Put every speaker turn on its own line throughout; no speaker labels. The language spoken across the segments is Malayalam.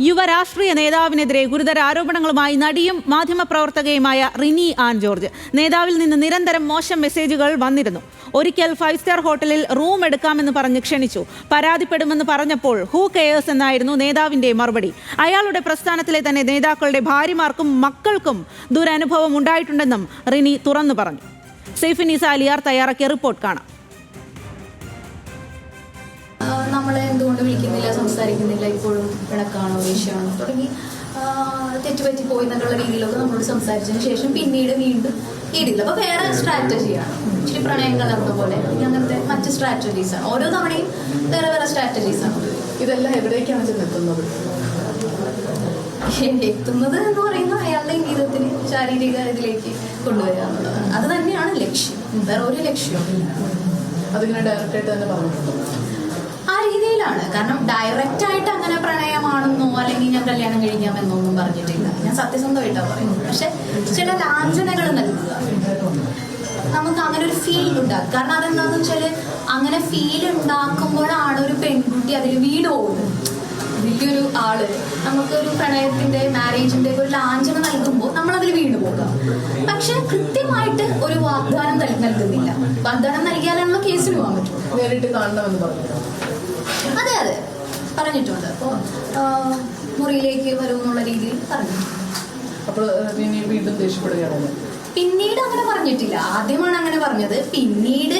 യുവ രാഷ്ട്രീയ നേതാവിനെതിരെ ഗുരുതര ആരോപണങ്ങളുമായി നടിയും മാധ്യമപ്രവർത്തകയുമായ റിനി ആൻ ജോർജ്. നേതാവിൽ നിന്ന് നിരന്തരം മോശം മെസ്സേജുകൾ വന്നിരുന്നു. ഒരിക്കൽ 5 സ്റ്റാർ ഹോട്ടലിൽ റൂം എടുക്കാമെന്ന് പറഞ്ഞ് ക്ഷണിച്ചു. പരാതിപ്പെടുമെന്ന് പറഞ്ഞപ്പോൾ ഹൂ കെയേഴ്സ് എന്നായിരുന്നു നേതാവിന്റെ മറുപടി. അയാളുടെ പ്രസ്ഥാനത്തിലെ തന്നെ നേതാക്കളുടെ ഭാര്യമാർക്കും മക്കൾക്കും ദുരനുഭവം ഉണ്ടായിട്ടുണ്ടെന്നും റിനി തുറന്നു പറഞ്ഞു. സെയ്ഫിനിസ അലിയാർ തയ്യാറാക്കിയ റിപ്പോർട്ട് കാണാം.
നമ്മളെ എന്തുകൊണ്ട് വിളിക്കുന്നില്ല, സംസാരിക്കുന്നില്ല, ഇപ്പോഴും പിണക്കാണോ, ദേഷ്യമാണോ തുടങ്ങി തെറ്റുപറ്റി പോയി എന്നുള്ള രീതിയിലൊക്കെ നമ്മളോട് സംസാരിച്ചതിന് ശേഷം പിന്നീട് വീണ്ടും രീതിയിൽ അപ്പോൾ വേറെ സ്ട്രാറ്റജിയാണ്. ഇച്ചിരി പ്രണയം കലർന്ന പോലെ അങ്ങനത്തെ മറ്റ് സ്ട്രാറ്റജീസാണ്. ഓരോ തവണയും വേറെ വേറെ സ്ട്രാറ്റജീസാണ്.
ഇതെല്ലാം എവിടേക്കാണ് ചെന്നെത്തുന്നത്?
എത്തുന്നത് എന്ന് പറയുന്നത് അയാളുടെ ജീവിതത്തിന് ശാരീരിക ഇതിലേക്ക് കൊണ്ടുവരിക എന്നുള്ളതാണ്. അത് തന്നെയാണ് ലക്ഷ്യം, വേറെ ഒരു ലക്ഷ്യവും.
അതിങ്ങനെ ഡയറക്റ്റായിട്ട് തന്നെ പറഞ്ഞിട്ടുണ്ടോ?
ആ രീതിയിലാണ്. കാരണം ഡയറക്റ്റ് ആയിട്ട് അങ്ങനെ പ്രണയമാണെന്നോ അല്ലെങ്കിൽ ഞാൻ കല്യാണം കഴിക്കാമെന്നൊന്നും പറഞ്ഞിട്ടില്ല. ഞാൻ സത്യസന്ധമായിട്ടാണ് പറയുന്നത്. പക്ഷെ ചില ലാഞ്ചനകൾ നൽകുക, നമുക്ക് അങ്ങനെ ഒരു ഫീൽ ഉണ്ടാകും. കാരണം അതെന്താണെന്ന് വെച്ചാൽ അങ്ങനെ ഫീൽ ഉണ്ടാക്കുമ്പോഴാണ് ഒരു പെൺകുട്ടി അതിൽ വീട് പോകുന്നത്. വലിയൊരു ആള് നമുക്കൊരു പ്രണയത്തിന്റെ മാരേജിന്റെ ഒരു ലാഞ്ചന നൽകുമ്പോൾ നമ്മളതിൽ വീണ് പോകാം. പക്ഷെ കൃത്യമായിട്ട് ഒരു വാഗ്ദാനം നൽകുന്നില്ല. വാഗ്ദാനം നൽകിയാലാണ് കേസിന് പോകാൻ പറ്റും.
നേരിട്ട് കാണണമെന്ന് പറഞ്ഞു.
അതെ പറഞ്ഞിട്ടുണ്ട്. അപ്പോൾ മുറിയിലേക്ക് വരുമെന്നുള്ള രീതിയിൽ പറഞ്ഞു.
അപ്പോൾ വീണ്ടും ദേഷ്യപ്പെടുകയാണല്ലോ.
പിന്നീട് അങ്ങനെ പറഞ്ഞിട്ടില്ല. ആദ്യമാണ് അങ്ങനെ പറഞ്ഞത്. പിന്നീട്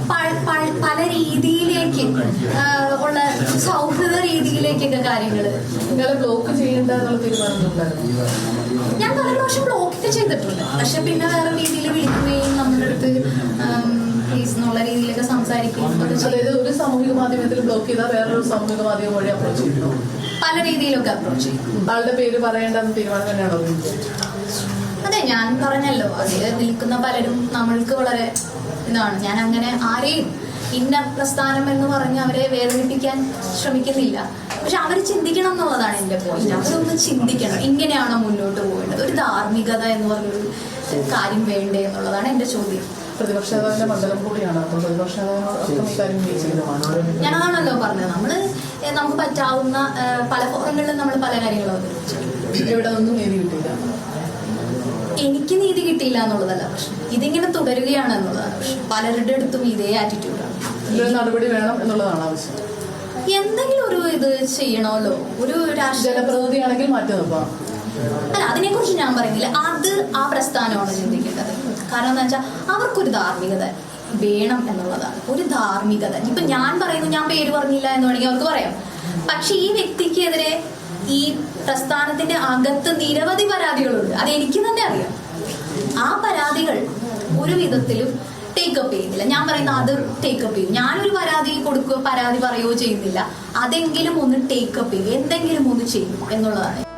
പല രീതിയിലേക്ക് ഉള്ള സൗഹൃദ രീതിയിലേക്കൊക്കെ കാര്യങ്ങള്.
നിങ്ങളെ ബ്ലോക്ക് ചെയ്യേണ്ട എന്നുള്ള തീരുമാനമുണ്ടായിരുന്നു.
ഞാൻ പല പ്രാവശ്യം ബ്ലോക്കൊക്കെ ചെയ്തിട്ടുണ്ട്. പക്ഷെ പിന്നെ വേറെ രീതിയിൽ വിളിക്കുകയും നമ്മുടെ അടുത്ത് പ്ലീസ് എന്നുള്ള രീതിയിലൊക്കെ സംസാരിക്കുകയും.
അതായത് ഒരു സാമൂഹിക മാധ്യമത്തിൽ ബ്ലോക്ക് ചെയ്താൽ വേറൊരു സാമൂഹിക മാധ്യമം വഴി അപ്രോച്ച് ചെയ്യുന്നു.
പല രീതിയിലൊക്കെ അപ്രോച്ച് ചെയ്യും.
ആളുടെ പേര് പറയേണ്ടെന്ന് തീരുമാനം തന്നെയാണോ?
അതെ, ഞാൻ പറഞ്ഞല്ലോ, അതിൽ നിൽക്കുന്ന പലരും നമ്മൾക്ക് വളരെ ഇതാണ്. ഞാൻ അങ്ങനെ ആരെയും ഇന്ന പ്രസ്ഥാനം എന്ന് പറഞ്ഞ് അവരെ വേദനിപ്പിക്കാൻ ശ്രമിക്കുന്നില്ല. പക്ഷെ അവർ ചിന്തിക്കണം എന്നുള്ളതാണ് എൻ്റെ പോയിന്റ്. അവരൊന്ന് ചിന്തിക്കണം, ഇങ്ങനെയാണോ മുന്നോട്ട് പോകേണ്ടത്, ഒരു ധാർമ്മികത എന്ന് പറഞ്ഞൊരു കാര്യം വേണ്ടേ എന്നുള്ളതാണ് എൻ്റെ ചോദ്യം.
പ്രതിപക്ഷ നേതാവിന്റെ മണ്ഡലം കൂടിയാണ്. അപ്പോൾ പ്രതിപക്ഷ നേതാവ്
ഞാനതാണല്ലോ പറഞ്ഞത്. നമുക്ക് പറ്റാവുന്ന പല ഫോറങ്ങളിലും നമ്മൾ പല കാര്യങ്ങളും അവതരിപ്പിച്ചു.
ഇവിടെ ഒന്നും നീതി കിട്ടിയില്ല.
എനിക്ക് നീതി കിട്ടിയില്ല എന്നുള്ളതല്ല പ്രശ്നം, ഇതിങ്ങനെ തുടരുകയാണ് എന്നുള്ളതാണ് പ്രശ്നം. പലരുടെ അടുത്തും ഇതേ ആറ്റിറ്റ്യൂഡാണ്.
നടപടി വേണം എന്നുള്ളതാണ് ആവശ്യം.
എന്തെങ്കിലും ഒരു ഇത് ചെയ്യണമല്ലോ. ഒരു
ജനപ്രതിനിധിയാണെങ്കിൽ മാറ്റി നിർത്താം.
അല്ല, അതിനെ കുറിച്ച് ഞാൻ പറയുന്നില്ല. അത് ആ പ്രസ്ഥാനമാണ് ചിന്തിക്കേണ്ടത്. കാരണം എന്താ വെച്ചാൽ അവർക്കൊരു ധാർമ്മികത വേണം എന്നുള്ളതാണ്. ഒരു ധാർമ്മികത. ഇപ്പൊ ഞാൻ പറയുന്നു, ഞാൻ പേര് പറഞ്ഞില്ല എന്ന് വേണമെങ്കിൽ അവർക്ക് പറയാം. പക്ഷെ ഈ വ്യക്തിക്കെതിരെ ഈ പ്രസ്ഥാനത്തിന്റെ അകത്ത് നിരവധി പരാതികളുണ്ട്. അത് എനിക്ക് തന്നെ അറിയാം. ആ പരാതികൾ ഒരു വിധത്തിലും ടേക്കപ്പ് ചെയ്യുന്നില്ല. ഞാൻ പറയുന്ന അത് ടേക്കപ്പ് ചെയ്യും. ഞാനൊരു പരാതി പറയുകയോ ചെയ്യുന്നില്ല. അതെങ്കിലും ഒന്ന് ടേക്കപ്പ് ചെയ്യും, എന്തെങ്കിലും ഒന്ന് ചെയ്യും എന്നുള്ളതാണ്.